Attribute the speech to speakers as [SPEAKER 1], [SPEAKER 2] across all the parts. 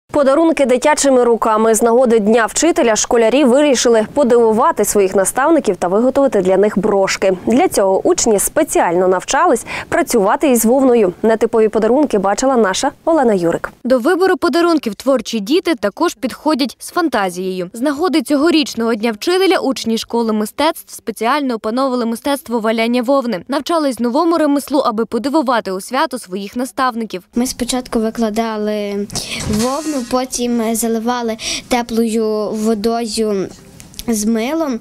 [SPEAKER 1] Подарунки дитячими руками. З нагоди Дня вчителя школярі вирішили подивувати своїх наставників та виготовити для них брошки. Для цього учні спеціально навчались працювати із вовною. Нетипові подарунки бачила наша Олена Юрик.
[SPEAKER 2] До вибору подарунків творчі діти також підходять з фантазією. З нагоди цьогорічного Дня вчителя учні школи мистецтв спеціально опановували мистецтво валяння вовни. Навчались новому ремеслу, аби подивувати у свято своїх наставників.
[SPEAKER 3] Ми спочатку викладали вовну, потім заливали теплою водою з милом,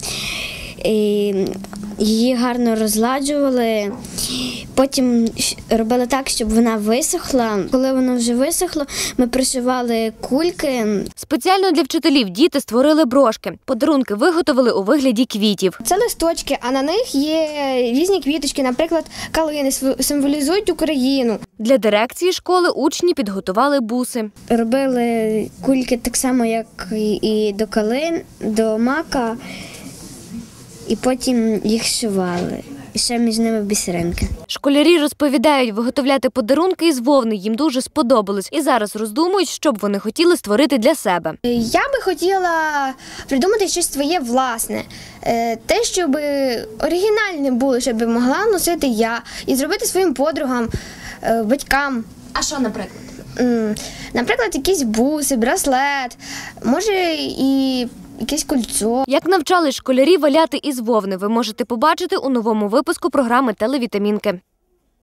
[SPEAKER 3] її гарно розладжували, потім робили так, щоб вона висохла. Коли вона вже висохла, ми пришивали кульки.
[SPEAKER 2] Спеціально для вчителів діти створили брошки. Подарунки виготовили у вигляді квітів.
[SPEAKER 4] Це листочки, а на них є різні квіточки, наприклад, калини, символізують Україну.
[SPEAKER 2] Для дирекції школи учні підготували буси.
[SPEAKER 3] Робили кульки так само, як і до калин, до мака, і потім їх шивали. І ще між ними бісеринки.
[SPEAKER 2] Школярі розповідають, виготовляти подарунки із вовни їм дуже сподобалось. І зараз роздумують, що б вони хотіли створити для себе.
[SPEAKER 4] Я би хотіла придумати щось своє власне. Те, щоб оригінальне було, щоб могла носити я. І зробити своїм подругам, батькам.
[SPEAKER 2] А що, наприклад?
[SPEAKER 4] Наприклад, якісь буси, браслет, може і якесь кольцо.
[SPEAKER 2] Як навчали школярі валяти із вовни, ви можете побачити у новому випуску програми «Телевітамінки».